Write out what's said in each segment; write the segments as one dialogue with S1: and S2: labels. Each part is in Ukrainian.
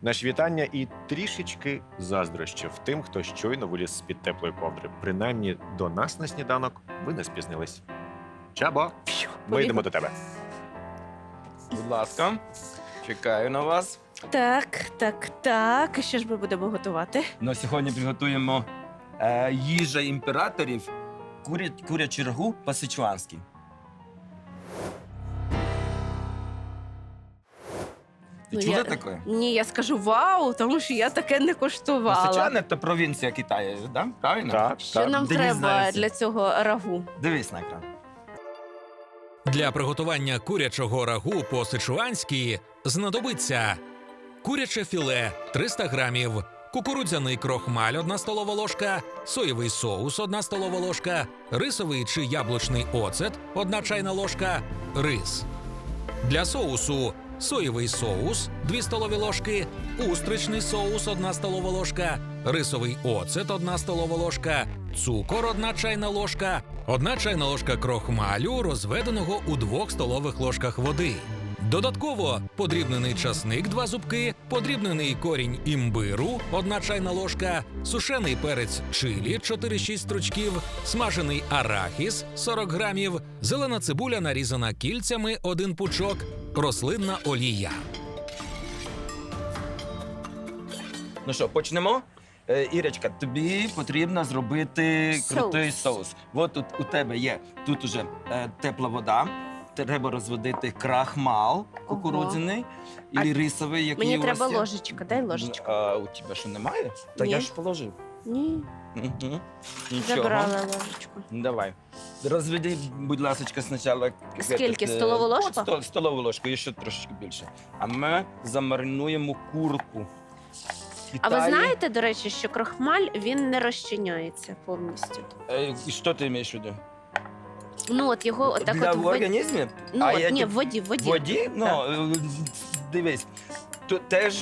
S1: Наші вітання і трішечки заздрощів тим, хто щойно виліз з-під теплої ковдри. Принаймні до нас на сніданок ви не спізнились. Чабо, ми йдемо до тебе.
S2: Будь ласка, чекаю на вас.
S3: Так. Що ж ми будемо готувати?
S2: Ну, сьогодні приготуємо їжа імператорів, курячий рагу по-сичуанськи. Ти чула таке?
S3: Ні, я скажу вау, тому що я таке не коштувала.
S2: Сичуан – це провінція Китаю, да? Правильно?
S1: Так,
S3: Що нам
S2: Денис
S3: треба
S2: знає.
S3: для цього рагу?
S2: Дивись на екран.
S4: Для приготування курячого рагу по-сичуанськи знадобиться куряче філе 300 грамів, кукурудзяний крохмаль 1 столова ложка, соєвий соус 1 столова ложка, рисовий чи яблучний оцет 1 чайна ложка, рис. Для соусу соєвий соус 2 столові ложки, устричний соус 1 столова ложка, рисовий оцет 1 столова ложка, цукор 1 чайна ложка, 1 чайна ложка крохмалю, розведеного у 2 столових ложках води. Додатково подрібнений часник 2 зубки, подрібнений корінь імбиру 1 чайна ложка, сушений перець чилі 4-6 стручків, смажений арахіс 40 грамів, зелена цибуля нарізана кільцями 1 пучок, рослинна олія.
S2: Ну що, почнемо? Ірочка, тобі потрібно зробити крутий соус. От тут у тебе є, тут уже тепла вода. Треба розводити крахмал кукурудзяний і рисовий, який
S3: Мені
S2: у вас
S3: треба
S2: є.
S3: ложечка, дай ложечку.
S2: А у тебе що, немає? Та
S3: Ні.
S2: я ж положив.
S3: Ні,
S2: Угу. Нічого.
S3: забрала ложечку.
S2: Давай. Розведи, будь ласка, спочатку.
S3: Скільки? Столову ложку?
S2: Столову ложку, і ще трошки більше. А ми замаринуємо курку.
S3: А ви знаєте, до речі, що крохмаль, він не розчиняється повністю.
S2: Що ти маєш в виду?
S3: Ну, от його отак
S2: Для
S3: от в воді.
S2: організму?
S3: Ну,
S2: А
S3: от,
S2: я
S3: ні,
S2: ті-
S3: в воді, в воді.
S2: Воді? Ну, дивись, тут теж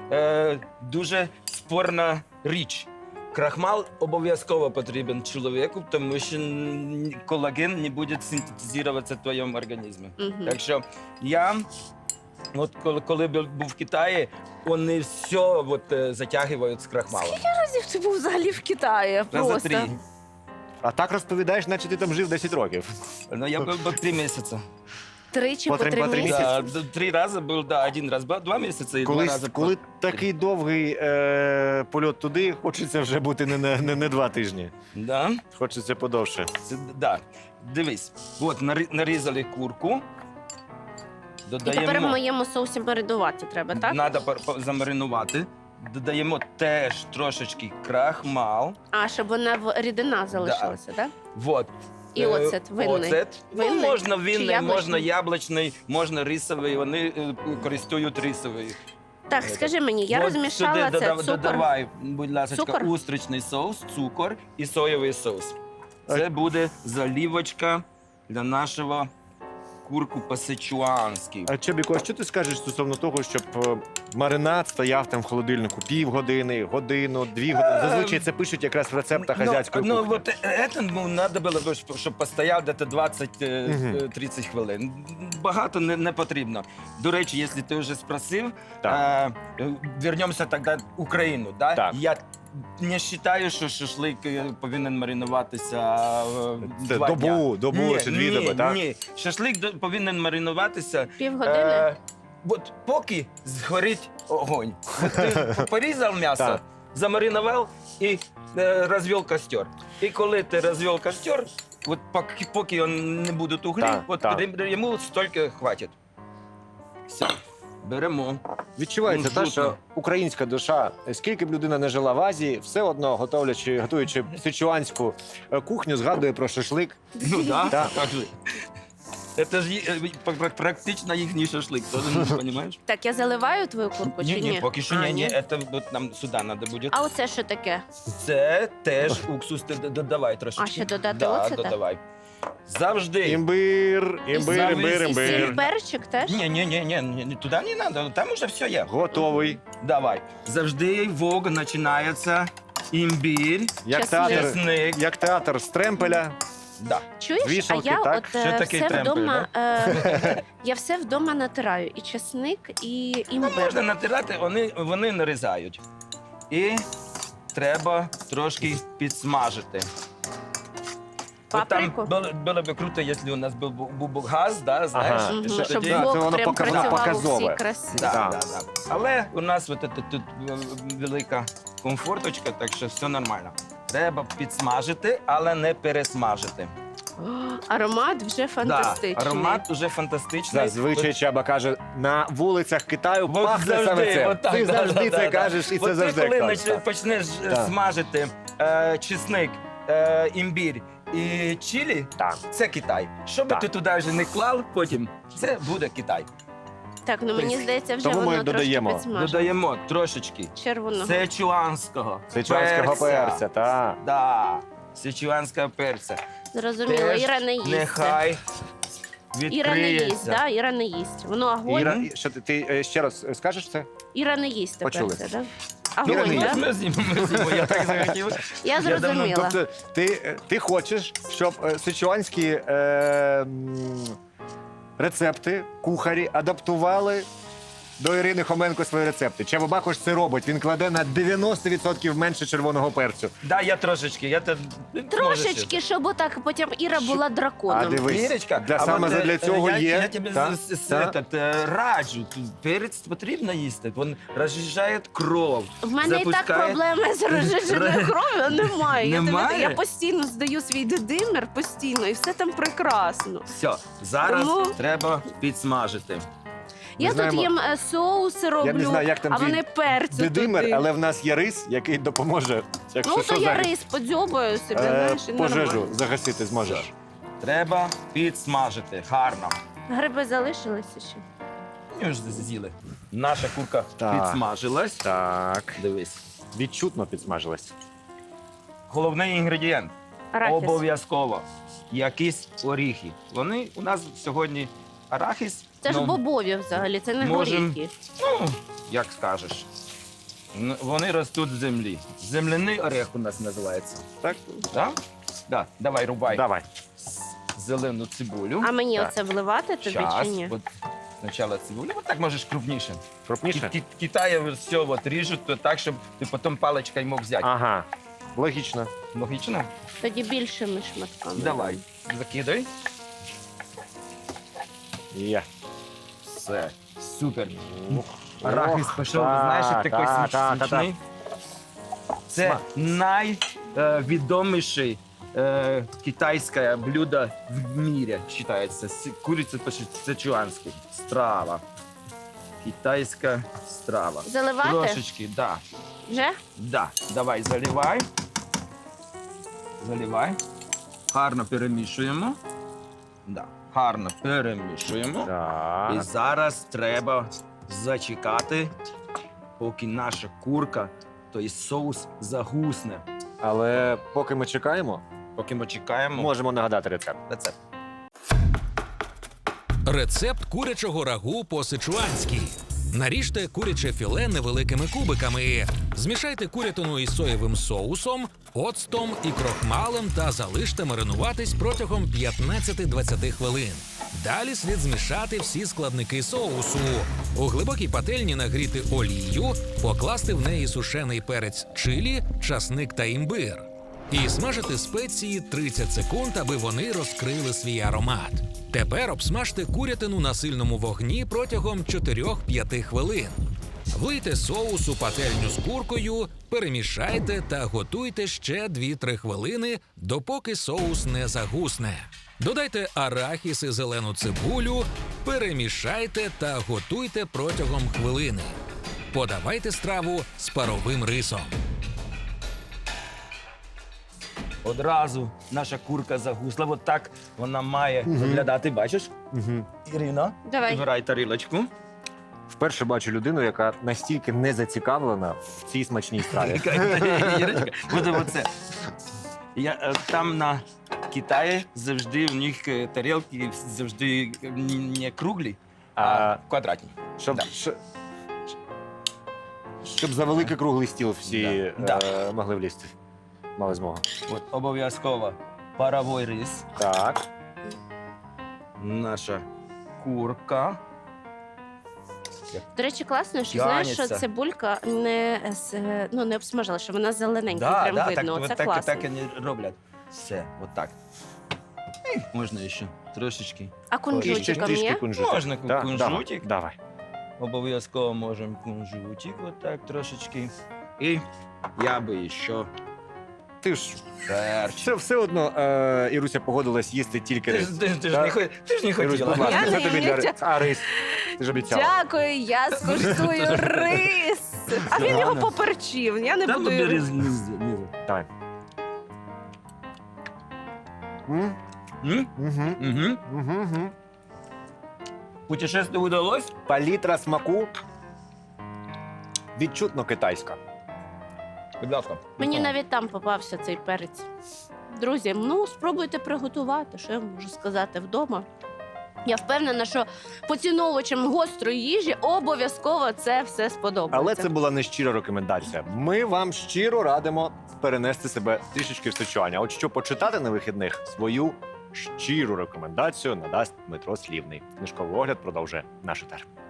S2: дуже спорна річ. Крахмал обов'язково потрібен чоловіку, тому що колаген не буде синтезуватися в твоєму організмі.
S3: Мгм.
S2: Так що я, от коли був в Китаї, вони все от, затягують з крахмалом.
S3: Разів ти був взагалі в Китаї,
S2: Раза
S3: просто.
S2: 3.
S1: А так розповідаєш, наче ти там жив 10 років.
S2: Ну, я був 3 місяці.
S3: Тричі
S1: По
S3: по
S1: три-
S3: 3
S1: по три
S3: місяці.
S1: місяці?
S2: 3 рази був, да, 1 раз, 2 місяці і 2 рази.
S1: Коли такий довгий польот туди, хочеться вже бути не 2 тижні.
S2: Да.
S1: Хочеться подовше.
S2: Да. Дивись, от нарізали курку.
S3: І тепер в моєму соусі маринувати треба, так?
S2: Треба замаринувати. Додаємо теж трошечки крахмал.
S3: А, щоб вона рідина залишилася, так?
S2: Вот.
S3: І оцет винний.
S2: Оцет. Ну,
S3: Винний?
S2: можна
S3: Чи
S2: винний,
S3: яблучний?
S2: можна яблучний, можна рисовий. Вони користують рисовий.
S3: Так, скажи мені, я
S2: От
S3: розмішала
S2: сюди
S3: це цукор.
S2: додавай, будь ласка,
S3: Цукор?
S2: устричний соус, цукор і соєвий соус. Це буде заливочка для нашого курку по-сичуанськи.
S1: А Чебіко, а що ти скажеш стосовно того, щоб маринад стояв там в холодильнику півгодини, годину, 2 години? Зазвичай це пишуть якраз в рецептах азіатської
S2: Ну,
S1: кухні.
S2: вот это надо було, щоб постояв десь 20-30 хвилин. Багато не потрібно. До речі, якщо ти вже спросив, вернемося тоді в Україну. Да?
S1: Так.
S2: Я не вважаю, що шашлик повинен маринуватися
S1: Це
S2: 2 дня.
S1: добу чи 2 доби, так?
S2: Ні, шашлик повинен маринуватися
S3: Півгодини?
S2: от поки згорить огонь. От ти порізав м'ясо,
S1: Так.
S2: замаринував і розвів костер. І коли ти розвів костер, от поки він не буде углі,
S1: Так,
S2: от
S1: так.
S2: йому стільки хватить. Все, беремо.
S1: Відчувається
S2: Ну,
S1: те, що
S2: жутко.
S1: українська душа, скільки б людина не жила в Азії, все одно готуючи сичуанську кухню, згадує про шашлик.
S2: Ну да,
S1: Так.
S2: так же. Це ж практично їхній шашлик, ти розумієш?
S3: Так, я заливаю твою курку чи ні?
S2: Ні, поки що
S3: А,
S2: ні, це от нам сюди треба буде.
S3: А оце що таке?
S2: Це теж уксус, ти додавай трошечки.
S3: А ще додати
S2: да,
S3: оцета?
S2: додавай. Завжди.
S1: Імбир,
S3: І сіль,
S1: імбир.
S3: перчик теж?
S2: Ні, туди не треба, там уже все є.
S1: Готовий.
S2: Давай. Завжди вогонь починається імбір,
S1: Як
S3: Чесник.
S1: театр,
S2: чесник.
S1: як театр з тремпеля.
S2: Да.
S3: Чуєш,
S1: З вішалки,
S3: а я
S1: так?
S3: от
S2: Ще такий
S3: все
S2: тремпель,
S3: вдома, я все вдома натираю. І чесник, і
S2: Ну,
S3: імбир.
S2: можна натирати, вони нарізають. І треба трошки підсмажити. От там
S3: Паприку?
S2: було б круто, якщо у нас був газ, да, знаєш,
S1: Ага.
S3: Мгм,
S2: що
S3: щоб
S2: тоді-
S1: Да, це
S3: вок
S1: воно
S3: прям працював у
S1: показове.
S3: всій красі.
S2: Да,
S1: Да.
S2: да, да. Але у нас от тут велика комфорточка, так що все нормально. Треба підсмажити, але не пересмажити.
S3: О, аромат вже фантастичний.
S2: Да, аромат уже фантастичний.
S1: Зазвичай Чаба каже, на вулицях Китаю
S2: От
S1: пахне
S2: завжди,
S1: саме це.
S2: отак,
S1: Ти
S2: да,
S1: завжди
S2: да,
S1: це
S2: да,
S1: кажеш, і
S2: От
S1: це
S2: ти,
S1: завжди
S2: коли
S1: кажеш. так.
S2: почнеш
S1: Так.
S2: смажити чесник, імбір і чилі,
S1: Так.
S2: це Китай. Що би
S1: Так.
S2: ти туди вже не клав, потім це буде Китай.
S3: Так, ну мені здається, вже
S1: Тому ми
S3: воно
S1: додаємо.
S3: трошки підсмажено.
S2: Додаємо трошечки
S3: Червоного.
S2: сечуанського
S1: Сичуанського перця, так.
S2: Да, сечуанського перця.
S3: Зрозуміло,
S2: Теж
S3: Іра не їсть.
S2: Нехай
S3: Іра не їсть,
S2: відкриється.
S3: да? Іра не їсть. Воно огонь.
S1: Іра, що ти ще раз скажеш це?
S3: Іра не їсть тепер
S1: Почули.
S3: це, да?
S1: Іра
S3: Огонь,
S1: не
S3: да?
S1: їсть.
S2: Ми з'їмо, я так захотів.
S3: Я
S2: давно-
S3: зрозуміла.
S1: Тобто ти хочеш, щоб сичуанські рецепти кухарі адаптували до Ірини Хоменко свої рецепти. Чаба Бакош це робить. Він кладе на 90% менше червоного перцю.
S2: Да, я трошечки.
S3: Трошечки, щоб отак потім Іра була
S1: А
S3: драконом.
S1: дивись,
S2: Ірочка,
S1: саме для цього
S2: я,
S1: є.
S2: Я тобі
S1: та, та.
S2: раджу. Перець потрібно їсти. Він розжижає кров.
S3: В мене і так проблеми з розжиженою кров'ю немає.
S2: Немає?
S3: Я постійно здаю свій дедимер, постійно, і все там прекрасно.
S2: Все, зараз
S3: Тому-
S2: треба підсмажити.
S3: Я тут
S1: знаємо-
S3: їм соуси роблю,
S1: Я не знаю, як там
S3: а
S1: твій
S3: вони перцю
S1: Дедимер,
S3: туди.
S1: але в нас є рис, який допоможе. Якщо
S3: Ну,
S1: що,
S3: то я
S1: зараз,
S3: рис подзьобаю собі, знаєш, і
S1: пожежу
S3: нормально.
S1: загасити зможеш.
S2: Треба підсмажити. Гарно.
S3: Гриби залишилися ще?
S2: Ми вже з'їли. Наша курка
S1: Так.
S2: підсмажилась.
S1: Так.
S2: Дивись.
S1: Відчутно підсмажилась.
S2: Головний інгредієнт.
S3: Арахіс.
S2: Обов'язково. Якісь оріхи. Вони у нас сьогодні арахіс.
S3: Це ж
S2: ну,
S3: бобові взагалі, це не
S2: можем-
S3: горіхи.
S2: Ну, як скажеш. Вони ростуть з землі. Земляний орех у нас називається.
S1: Так?
S2: Так? Да. Давай, рубай
S1: Давай.
S2: зелену цибулю.
S3: А мені
S1: Так.
S3: оце вливати тобі
S2: Щас.
S3: чи ні?
S2: От спочатку цибулю. От так можеш крупніше.
S1: Крупніше?
S2: Китаї все от ріжуть то так, щоб ти потім паличкою мог взяти.
S1: Ага. Логічно.
S2: Логічно?
S3: Тоді більшими шматками.
S2: Давай. Закидай.
S1: Є.
S2: Все. Супер.
S1: Ух.
S2: Арахіс
S1: Ох,
S2: пішов,
S1: так,
S2: знаєш, як такий
S1: так, так, так,
S2: смачний. Це найвідоміше китайське блюдо в мірі, вважається. Куриця по-сичуанськи. Страва. Китайська страва.
S3: Заливати?
S2: Трошечки, да.
S3: Вже?
S2: Да. Давай, заливай. Заливай. Гарно перемішуємо. Да. Гарно перемішуємо. І
S1: Так.
S2: зараз треба зачекати, поки наша курка, той соус загусне.
S1: Але поки ми чекаємо,
S2: Поки ми чекаємо
S1: можемо нагадати рецепт.
S2: рецепт.
S4: Рецепт курячого рагу по-сичуанськи. Наріжте куряче філе невеликими кубиками. Змішайте курятину із соєвим соусом, оцтом і крохмалем та залиште маринуватись протягом 15-20 хвилин. Далі слід змішати всі складники соусу. У глибокій пательні нагріти олію, покласти в неї сушений перець чилі, часник та імбир. І смажити спеції 30 секунд, аби вони розкрили свій аромат. Тепер обсмажте курятину на сильному вогні протягом 4-5 хвилин. Влийте соус у пательню з куркою, перемішайте та готуйте ще 2-3 хвилини, допоки соус не загусне. Додайте арахіс і зелену цибулю, перемішайте та готуйте протягом хвилини. Подавайте страву з паровим рисом.
S2: Одразу наша курка загусла. От так вона має виглядати. Бачиш?
S1: Угу.
S2: Ірина,
S3: Давай.
S2: вибирай тарілочку.
S1: Вперше бачу людину, яка настільки не зацікавлена в цій смачній страві.
S2: Ірочка, буде оце. Там на Китаї завжди в них тарілки завжди не круглі, а квадратні.
S1: Щоб,
S2: Да.
S1: щоб за великий круглий стіл всі
S2: Да.
S1: могли влізти. Мали змогу.
S2: От, обов'язково паровий рис,
S1: Так.
S2: наша курка.
S3: До речі, класно, що знаєш, що
S2: Тянеться.
S3: цибулька не обсмажила, що вона зелененька,
S2: Да,
S3: прям
S2: да,
S3: видно.
S2: так,
S3: Це
S2: так,
S3: класно.
S2: так і не роблять. Все, отак. Можна ще трошечки.
S3: А
S1: І ще
S3: кунжутиком
S1: трішки
S3: є?
S1: кунжутик.
S2: Можна
S1: Да,
S2: кунжутик.
S1: Давай.
S2: Обов'язково можемо кунжутик, отак трошечки. І я би ще
S1: Ти ж
S2: перчик.
S1: все одно Іруся погодилась їсти тільки
S2: Ти
S1: рис.
S2: ж ти ж
S1: Так.
S2: не
S1: Ірусь, будь
S2: хотіла.
S1: ласка,
S3: Я
S1: це
S3: не
S1: тобі для
S3: їм.
S1: рис. А рис? Ти ж обіцяла.
S3: Дякую, я скуштую рис. А він його поперчив. Я не
S2: Та
S3: буду.
S2: тобі
S3: його-
S2: різниця.
S1: Давай. М?
S2: Угу.
S1: Угу.
S2: Путешествие удалось?
S1: Палітра смаку відчутно китайська.
S2: Будь ласка.
S3: Мені навіть там попався цей перець. Друзі, спробуйте приготувати, що я можу сказати вдома. Я впевнена, що поціновувачам гострої їжі обов'язково це все сподобається.
S1: Але це була не щира рекомендація. Ми вам щиро радимо перенести себе трішечки в Сичуань. А от що почитати на вихідних, свою щиру рекомендацію надасть Дмитро Слівний. Книжковий огляд продовжує наш етер.